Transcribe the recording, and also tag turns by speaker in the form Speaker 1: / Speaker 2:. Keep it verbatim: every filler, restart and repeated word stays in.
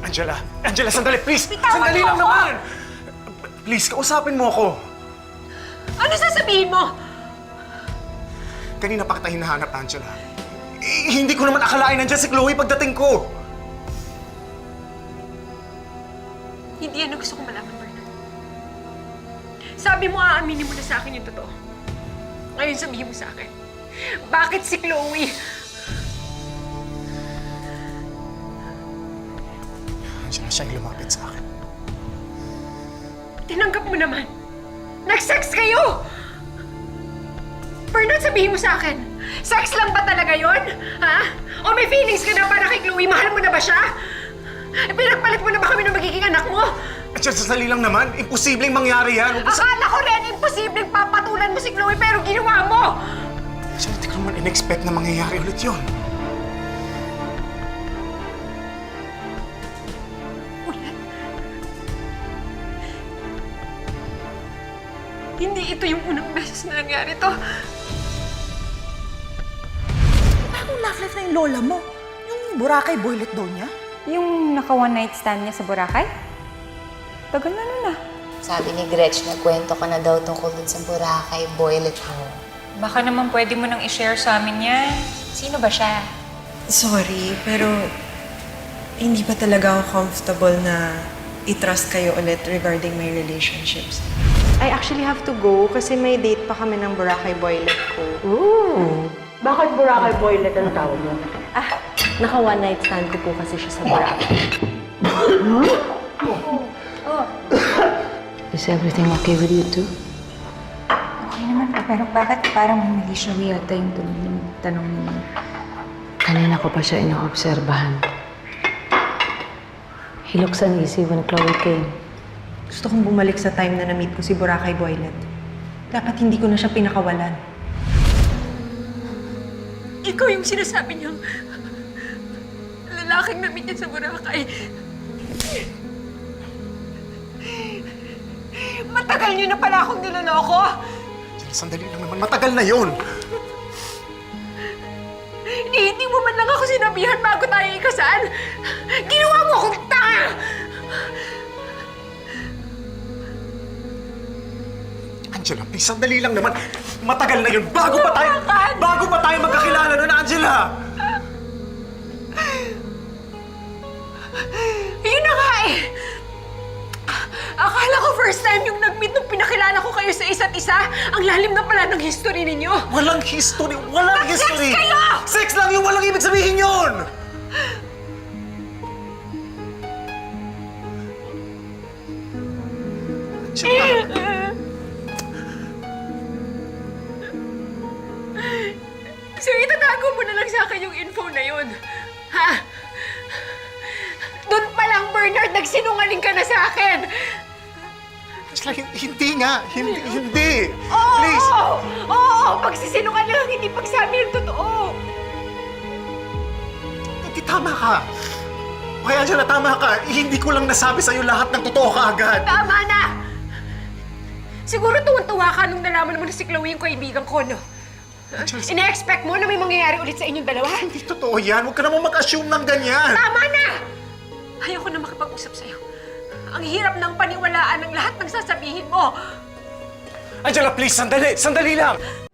Speaker 1: Angela! Angela, sandali, please!
Speaker 2: Bitawan
Speaker 1: Sandali
Speaker 2: mo
Speaker 1: lang
Speaker 2: ako!
Speaker 1: naman! Please, kausapin mo ako.
Speaker 2: Ano sasabihin mo?
Speaker 1: Kanina pa kita hinahanap, Angela. Eh, hindi ko naman akalain nandiyan si Chloe pagdating ko.
Speaker 2: Hindi yan ang gusto kong malaman, Bernard. Sabi mo, aaminin mo na sa akin yung totoo. Ngayon sabihin mo sa akin, bakit si Chloe?
Speaker 1: Angela, siya yung lumapit sa akin.
Speaker 2: Tinanggap mo naman. Nag-sex kayo! Bernard, sabihin mo sa akin, sex lang ba talaga yon? Ha? O may feelings ka na para kay Chloe? Mahal mo na ba siya? E, pinagpalit mo na ba kami ng magiging anak mo?
Speaker 1: Angela, sandali lang naman. Imposibleng mangyari yan. Huwag mo sa-
Speaker 2: Akala ko rin imposibleng papatulan mo si Chloe pero ginawa mo!
Speaker 1: Angela, hindi ko naman in-expect na mangyayari ulit yun.
Speaker 2: Ulit? Hindi ito yung unang beses na nangyari to.
Speaker 3: Anong love life na yung lola mo? Yung Boracay boylet daw niya?
Speaker 4: Yung naka one night stand niya sa Boracay? Tagal na nun ah.
Speaker 5: Sabi ni Gretch, nagkwento ka na daw tungkol dun sa Boracay boylet mo.
Speaker 4: Baka naman pwede mo nang i-share sa amin yan. Sino ba siya?
Speaker 6: Sorry, pero hindi pa talaga ako comfortable na i-trust kayo ulit regarding my relationships.
Speaker 7: I actually have to go kasi may date pa kami ng Boracay boylet ko.
Speaker 8: Ooh. Bakit Boracay boylet ang tawag mo?
Speaker 7: Ah, naka one night stand ko po kasi siya sa Boracay.
Speaker 8: Is everything okay with you too?
Speaker 4: Okay naman po, pero bakit parang mali siya yata yung tuloy yung tanong niyo?
Speaker 8: Kanina ko pa siya inoobserbahan. He looks uneasy when Chloe came.
Speaker 6: Gusto kong bumalik sa time na na-meet ko si Boracay boylet. Dapat hindi ko na siya pinakawalan.
Speaker 2: Ikaw yung sinasabi niyang lalaking na-meet niya sa Boracay. Matagal niyo na pala akong niloloko!
Speaker 1: Angela, sandali lang naman. Matagal na yun.
Speaker 2: Hindi, hindi mo man lang ako sinabihan bago tayo ikasal! Ginawa mo akong tanga!
Speaker 1: Angela, please, sandali lang naman. Matagal na yun. Bago pa tayo... Bago pa tayo magkakilala nun, Angela!
Speaker 2: Yun na nga eh! Akala ko first time yung nag-meet nung pinakilala ko kayo sa isa't isa. Ang lalim na pala ng history ninyo.
Speaker 1: Walang history! Walang
Speaker 2: Nag-sex
Speaker 1: history!
Speaker 2: kayo!
Speaker 1: Sex lang yung walang ibig sabihin yun! Angela,
Speaker 2: So itatago mo na lang sa akin yung info na yun. Ha? Doon pa lang, Bernard, nagsinungaling ka na sa akin.
Speaker 1: Angela, hin- hindi nga. Hindi, hindi.
Speaker 2: Oo!
Speaker 1: Please.
Speaker 2: Oo! Oo! Pagsisinungaling, hindi pagsabi ng totoo.
Speaker 1: Hindi, tama ka. Okay, Angela, tama ka. Hindi ko lang nasabi sa'yo lahat ng totoo kaagad.
Speaker 2: Tama na! Siguro tuwan-tuwa ka nung nalaman mo na si Chloe yung kaibigan ko, no?
Speaker 1: Angela,
Speaker 2: Ina-expect mo na may mangyayari ulit sa inyong dalawa?
Speaker 1: hindi totoo yan. Huwag ka naman mag-assume ng ganyan.
Speaker 2: Tama na! Ayoko na makipag-usap sa'yo. Ang hirap ng paniwalaan ng lahat ng sasabihin mo.
Speaker 1: Angela, please, sandali. Sandali lang.